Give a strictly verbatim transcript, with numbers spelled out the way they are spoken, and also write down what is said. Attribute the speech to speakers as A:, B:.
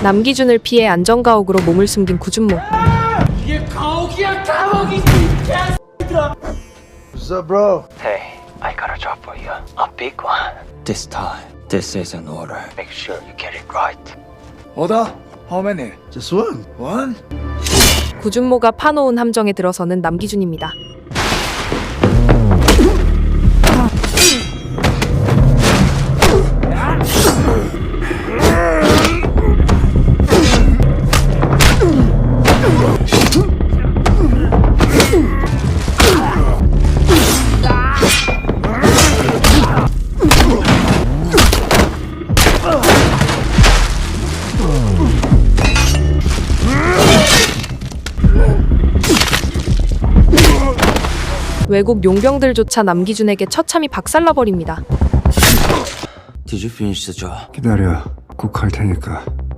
A: 남기준을 피해 안전가옥으로 몸을 숨긴 구준모.
B: 이게 가옥이야 감옥이지 개X들아.
C: What's up, bro?
D: Hey, I got a job for you. A big one. This time, this is an order. Make sure you get it right.
E: Order? How many?
C: Just one.
E: One?
A: 구준모가 파놓은 함정에 들어서는 남기준입니다. 외국 용병들조차 남기준에게 처참히 박살나버립니다.
D: Did you finish the job?
F: 기다려. 꼭 할 테니까.